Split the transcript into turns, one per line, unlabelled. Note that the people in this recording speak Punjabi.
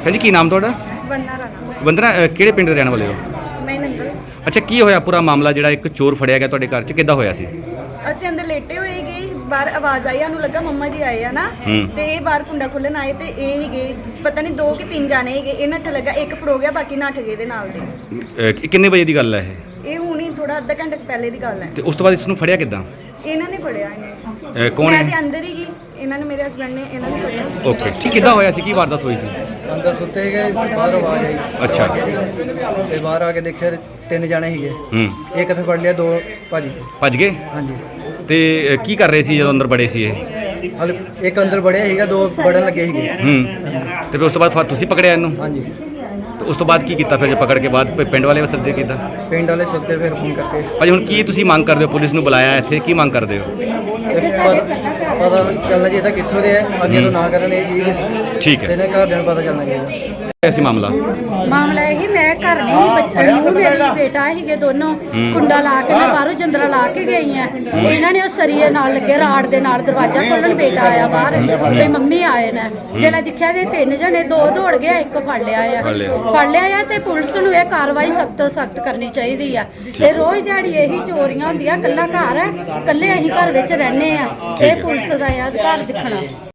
ਭੈਣ ਜੀ ਕੀ ਨਾਮ ਤੁਹਾਡਾ?
ਵੰਦਨਾ ਰਾਣਾ।
ਵੰਦਨਾ ਕਿਹੜੇ ਪਿੰਡ ਦੇ ਰਹਿਣ ਵਾਲੇ ਹੋ?
ਮੈਂ ਨੰਗਲ।
ਅੱਛਾ, ਕੀ ਹੋਇਆ ਪੂਰਾ ਮਾਮਲਾ ਜਿਹੜਾ ਇੱਕ ਚੋਰ ਫੜਿਆ ਗਿਆ ਤੁਹਾਡੇ ਘਰ 'ਚ, ਕਿੱਦਾਂ ਹੋਇਆ ਸੀ?
ਅਸੀਂ ਅੰਦਰ ਲੇਟੇ ਹੋਏ ਗਏ, ਬਾਹਰ ਆਵਾਜ਼ ਆਈ, ਸਾਨੂੰ ਲੱਗਾ ਮੰਮਾ ਜੀ ਆਏ ਆ ਨਾ, ਤੇ ਇਹ ਬਾਹਰ ਕੁੰਡਾ ਖੋਲਣ ਆਏ ਤੇ ਇਹ ਹੀਗੇ ਪਤਾ ਨਹੀਂ 2 ਕਿ 3 ਜਾਣੇ ਹੈਗੇ। ਇਹ ਨੱਠ ਲੱਗਾ, ਇੱਕ ਫੜੋ ਗਿਆ, ਬਾਕੀ ਨੱਠ ਗਏ ਦੇ ਨਾਲ ਦੇ।
ਕਿੰਨੇ ਵਜੇ ਦੀ ਗੱਲ ਹੈ ਇਹ?
ਇਹ ਹੁਣੀ ਥੋੜਾ ਅੱਧਾ ਘੰਟੇ ਪਹਿਲੇ ਦੀ ਗੱਲ ਹੈ।
ਤੇ ਉਸ ਤੋਂ ਬਾਅਦ ਇਸ ਨੂੰ ਫੜਿਆ ਕਿੱਦਾਂ?
ਇਹਨਾਂ ਨੇ ਫੜਿਆ ਇਹਨੇ।
ਕੌਣ
ਮੈਂ
ਹੈ?
ਤੇ ਅੰਦਰ ਹੀ ਗਈ, ਇਹਨਾਂ ਨੇ ਮੇਰੇ ਹਸਬੰਡ ਨੇ ਇਹਨਾਂ ਨੂੰ ਫੜਿਆ।
ਓਕੇ, ਠੀਕ। ਕਿੱਦਾਂ ਹੋਇਆ ਸੀ? ਕੀ ਵਾਰਦਾਤ ਹੋਈ ਸੀ?
ਅੰਦਰ ਸੁੱਤੇ ਗਏ, ਬਾਹਰ ਆਵਾਜ਼ ਆਈ।
ਅੱਛਾ।
ਤੇ ਬਾਹਰ ਆ ਕੇ ਦੇਖਿਆ 3 ਜਾਣੇ ਸੀਗੇ। ਇੱਕ ਤੇ ਫੜ ਲਿਆ, 2
ਭੱਜ ਗਏ?
ਹਾਂਜੀ।
ਤੇ ਕੀ ਕਰ ਰਹੇ ਸੀ ਜਦੋਂ ਅੰਦਰ ਬੜੇ ਸੀ ਇਹ?
ਹਲ ਇੱਕ ਅੰਦਰ ਵੜਿਆ ਸੀਗਾ, 2 ਵੜਨ ਲੱਗੇ ਸੀਗੇ।
ਤੇ ਫਿਰ ਉਸ ਤੋਂ ਬਾਅਦ ਤੁਸੀਂ ਪਕੜਿਆ ਇਹਨੂੰ?
ਹਾਂਜੀ।
ਤੇ ਉਸ ਤੋਂ ਬਾਅਦ ਕੀ ਕੀਤਾ ਫਿਰ? ਜੇ ਪਕੜ ਕੇ ਬਾਅਦ ਪਿੰਡ ਵਾਲੇ ਸੱਦੇ ਕਿੱਦਾਂ?
ਪਿੰਡ ਵਾਲੇ ਸੁੱਤੇ, ਫਿਰ ਫੋਨ ਕਰਕੇ।
ਭਾਜੀ ਹੁਣ ਕੀ ਤੁਸੀਂ ਮੰਗ ਕਰਦੇ ਹੋ? ਪੁਲਿਸ ਨੂੰ ਬੁਲਾਇਆ ਇੱਥੇ, ਕੀ ਮੰਗ ਕਰਦੇ ਹੋ?
ਤੇ ਪਤਾ ਚੱਲਣਾ ਚਾਹੀਦਾ ਕਿੱਥੋਂ ਦੇ ਹੈ, ਅੱਗੇ ਤੋਂ ਨਾ ਕਰਨ ਇਹ ਚੀਜ਼।
ਠੀਕ ਹੈ।
ਤੇ ਇਹਨਾਂ ਘਰਦਿਆਂ ਨੂੰ ਪਤਾ ਚੱਲਣਾ ਚਾਹੀਦਾ।
ਐਸੀ ਮਾਮਲਾ
ਇਹੀ ਮੈਂ ਘਰ ਨਹੀਂ ਬੱਚੇ ਨੂੰ ਮੇਰੀ ਬੇਟਾ ਹੀਗੇ ਦੋਨੋਂ ਕੁੰਡਾ ਲਾ ਕੇ ਮੈਂ ਬਾਹਰੋਂ ਜੰਦਰਾ ਲਾ ਕੇ ਗਈ ਆ। ਇਹਨਾਂ ਨੇ ਉਹ ਸਰੀਏ ਨਾਲ ਲੱਗੇ ਰਾੜ ਦੇ ਨਾਲ ਦਰਵਾਜ਼ਾ ਖੋਲਣ, ਬੇਟਾ ਆਇਆ ਬਾਹਰ ਤੇ ਮੰਮੀ ਆਏ ਨੇ। ਜਦੋਂ ਦੇਖਿਆ ਤੇ 3 ਜਣੇ, 2 ਦੌੜ ਗਏ, ਇੱਕ ਫੜ ਲਿਆ ਆ। ਤੇ ਪੁਲਿਸ ਨੂੰ ਇਹ ਕਾਰਵਾਈ ਸਖਤ ਤੋਂ ਸਖਤ ਕਰਨੀ ਚਾਹੀਦੀ ਆ। ਇਹ ਰੋਜ਼ ਦਿਹਾੜੀ ਇਹੀ ਚੋਰੀਆਂ ਹੁੰਦੀਆਂ, ਕੱਲਾ ਘਰ ਹੈ, ਕੱਲੇ ਅਸੀਂ ਘਰ ਵਿੱਚ ਰਹਿੰਦੇ ਆ। ਇਹ ਪੁਲਿਸ ਦਾ ਆ ਅਧਿਕਾਰ ਦਿਖਣਾ।